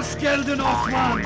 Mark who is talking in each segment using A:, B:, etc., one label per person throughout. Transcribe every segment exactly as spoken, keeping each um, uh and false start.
A: Hoş geldin Osman!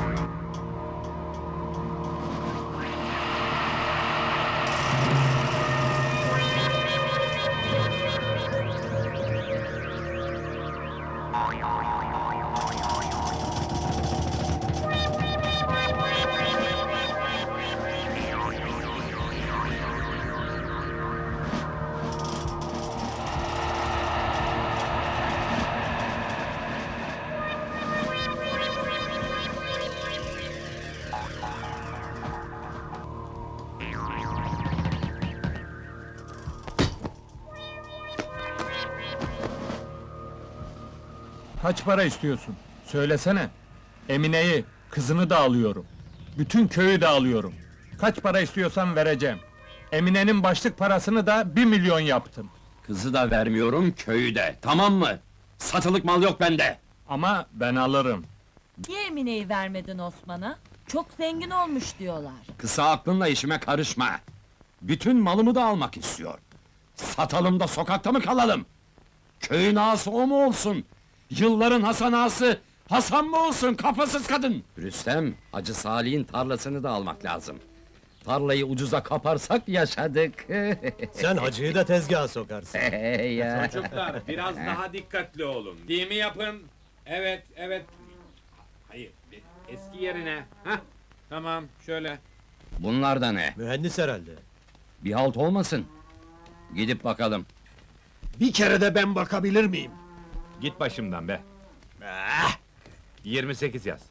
B: Kaç para istiyorsun? Söylesene. Emine'yi, kızını da alıyorum. Bütün köyü de alıyorum. Kaç para istiyorsan vereceğim. Emine'nin başlık parasını da bir milyon yaptım.
C: Kızı da vermiyorum, köyü de, tamam mı? Satılık mal yok bende!
B: Ama ben alırım.
D: Niye Emine'yi vermedin Osman'a? Çok zengin olmuş diyorlar.
C: Kısa aklınla işime karışma! Bütün malımı da almak istiyor. Satalım da sokakta mı kalalım? Köyün ağası o mu olsun? Yılların Hasan ağası, Hasan mı olsun, kafasız kadın? Rüstem, Hacı Salih'in tarlasını da almak lazım. Tarlayı ucuza kaparsak yaşadık.
E: Sen hacıyı da tezgaha sokarsın.
C: ya.
A: Çocuklar, biraz daha dikkatli olun. Değil mi yapın? Evet, evet. Hayır, eski yerine. Hah, tamam, şöyle.
C: Bunlar da ne?
E: Mühendis herhalde.
C: Bir halt olmasın. Gidip bakalım.
A: Bir kere de ben bakabilir miyim?
F: Git başımdan be!
A: Ah!
F: yirmi sekiz yaz.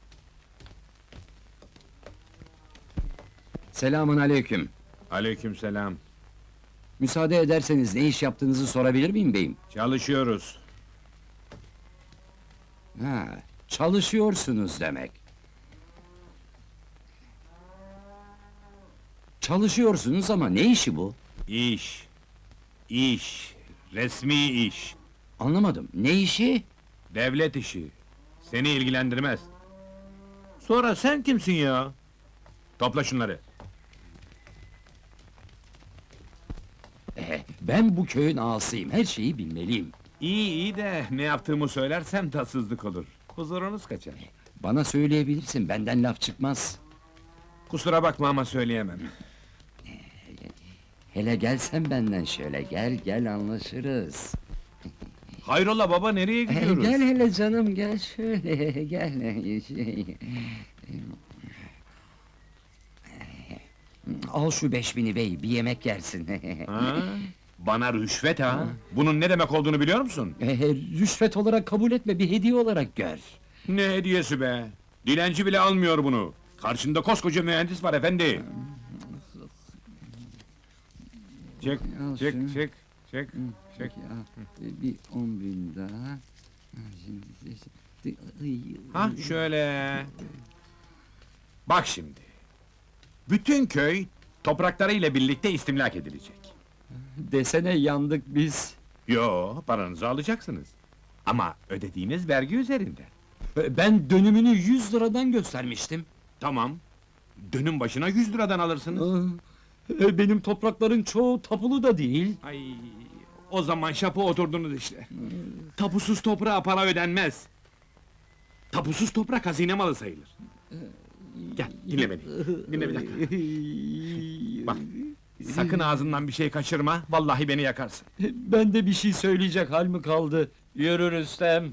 C: Selamun aleyküm.
F: Aleykümselam.
C: Müsaade ederseniz ne iş yaptığınızı sorabilir miyim beyim?
F: Çalışıyoruz.
C: Ha, çalışıyorsunuz demek. Çalışıyorsunuz ama ne işi bu?
F: İş. İş. Resmi iş.
C: Anlamadım, ne işi?
F: Devlet işi. Seni ilgilendirmez. Sonra sen kimsin ya? Topla şunları.
C: Eh, ben bu köyün ağasıyım, her şeyi bilmeliyim.
F: İyi iyi de ne yaptığımı söylersem tatsızlık olur. Huzurunuz kaçar.
C: Bana söyleyebilirsin, benden laf çıkmaz.
F: Kusura bakma ama söyleyemem.
C: Hele gelsen benden şöyle, gel gel anlaşırız.
F: Hayrola baba, nereye
C: Eh,
F: gidiyoruz?
C: gel hele canım, gel şöyle, gel. Şey. Al şu beş bini bey, bir yemek yersin.
F: Ha? Bana rüşvet ha? Bunun ne demek olduğunu biliyor musun?
C: Eh, rüşvet olarak kabul etme, bir hediye olarak gör.
F: Ne hediyesi be? Dilenci bile almıyor bunu. Karşında koskoca mühendis var efendi. Çek,
C: Al
F: çek,
C: şunu.
F: çek, çek, çek.
C: Ya, bir on bin daha. Ha, Şimdi...
F: Ha şöyle. Bak şimdi. Bütün köy topraklarıyla birlikte istimlak edilecek.
C: Desene yandık biz.
F: Yo, paranızı alacaksınız. Ama ödediğiniz vergi üzerinden.
C: Ben dönümünü yüz liradan göstermiştim.
F: Tamam. Dönüm başına yüz liradan alırsınız.
C: E, Benim toprakların çoğu tapulu da değil.
F: Ay, o zaman şapı oturdunuz işte. Tapusuz toprağa para ödenmez. Tapusuz toprak hazine malı sayılır. Gel, dinle beni. Dinle bir dakika. Bak, sakın ağzından bir şey kaçırma, vallahi beni yakarsın.
C: Ben de bir şey söyleyecek hal mi kaldı? Yürü Rüstem.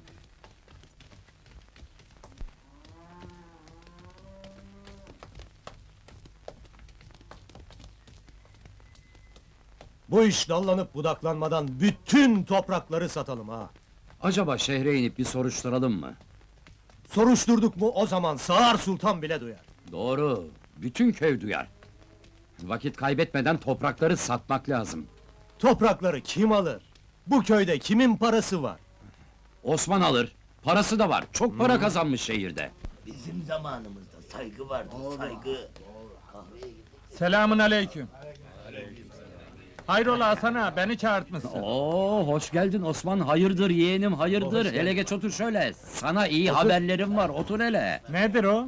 E: Bu iş dallanıp budaklanmadan bütün toprakları satalım ha.
C: Acaba şehre inip bir soruşturalım mı?
E: Soruşturduk mu o zaman Sağır Sultan bile duyar.
C: Doğru, bütün köy duyar. Vakit kaybetmeden toprakları satmak lazım.
E: Toprakları kim alır? Bu köyde kimin parası var?
C: Osman alır, parası da var, çok para kazanmış şehirde.
G: Bizim zamanımızda saygı vardı, saygı.
B: Selamun aleyküm. Hayrola Hasan ağa, beni çağırtmışsın.
C: Oo, hoş geldin Osman, hayırdır yeğenim, hayırdır. Hele geç otur şöyle, sana iyi haberlerim var, otur hele.
B: Nedir o?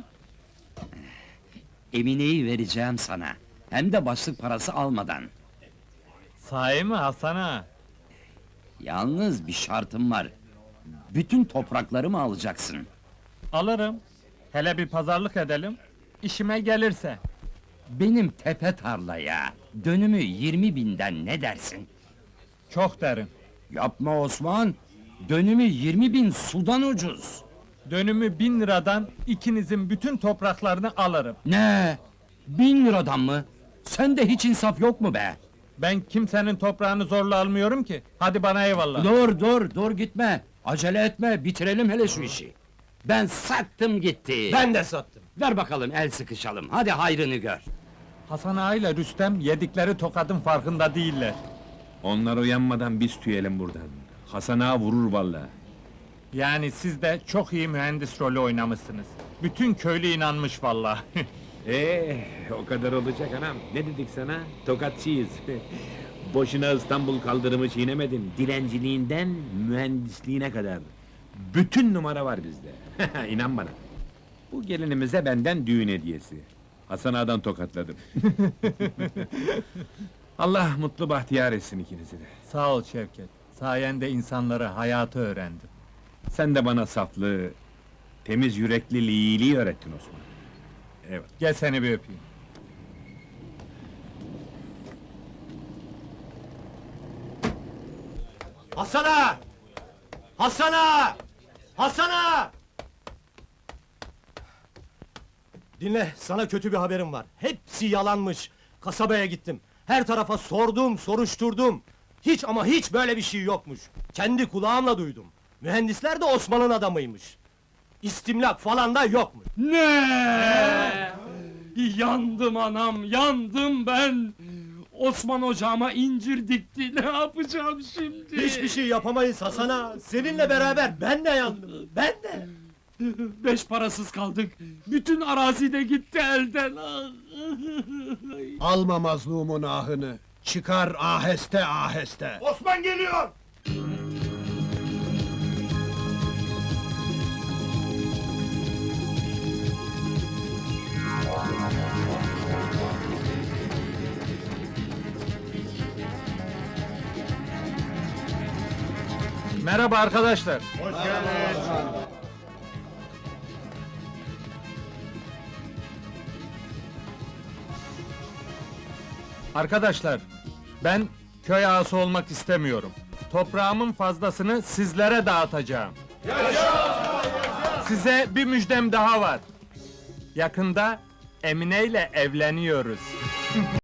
C: Emine'yi vereceğim sana, hem de başlık parası almadan.
B: Sahi mi Hasan ağa?
C: Yalnız bir şartım var. Bütün topraklarımı alacaksın.
B: Alırım. Hele bir pazarlık edelim. İşime gelirse.
C: Benim tepe tarlaya dönümü yirmi binden ne dersin?
B: Çok derim.
C: Yapma Osman, dönümü yirmi bin sudan ucuz.
B: Dönümü bin liradan ikinizin bütün topraklarını alırım.
C: Ne? Bin liradan mı? Sende hiç insaf yok mu be?
B: Ben kimsenin toprağını zorla almıyorum ki. Hadi bana eyvallah.
C: Dur dur dur gitme. Acele etme, bitirelim hele şu işi. Ben sattım gitti.
E: Ben de sattım.
C: Ver bakalım el sıkışalım, hadi hayrını gör.
B: Hasan Ağa ile Rüstem yedikleri tokadın farkında değiller.
A: Onlar uyanmadan biz tüyelim buradan. Hasan ağa vurur vallahi.
B: Yani siz de çok iyi mühendis rolü oynamışsınız. Bütün köylü inanmış vallahi.
A: Ee, o kadar olacak anam. Ne dedik sana? Tokatçıyız. Boşuna İstanbul kaldırımı çiğnemedin. Dilenciliğinden mühendisliğine kadar. Bütün numara var bizde. İnan bana. Bu gelinimize benden düğün hediyesi. Hasan ağadan tokatladım. Allah mutlu bahtiyar etsin ikinizi de.
B: Sağ ol Şevket. Sayende insanlara hayatı öğrendim.
A: Sen de bana saflığı, temiz yürekli iyiliği öğrettin Osman. Evet.
B: Gel seni bir öpeyim.
E: Hasan'a! Hasan'a! Hasan'a! Dinle, sana kötü bir haberim var. Hepsi yalanmış. Kasabaya gittim. Her tarafa sordum, soruşturdum. Hiç ama hiç böyle bir şey yokmuş. Kendi kulağımla duydum. Mühendisler de Osman'ın adamıymış. İstimlak falan da yokmuş.
C: Ne? Yandım anam, yandım ben! Osman ocağıma incir dikti, ne yapacağım şimdi?
E: Hiçbir şey yapamayız Hasan'a. Seninle beraber ben de yandım. Ben de.
C: Beş parasız kaldık, bütün arazi de gitti elden!
H: Alma mazlumun ahını. Çıkar aheste aheste.
E: Osman geliyor!
B: Merhaba arkadaşlar. Arkadaşlar, ben köy ağası olmak istemiyorum. Toprağımın fazlasını sizlere dağıtacağım. Size bir müjdem daha var. Yakında Emine ile evleniyoruz.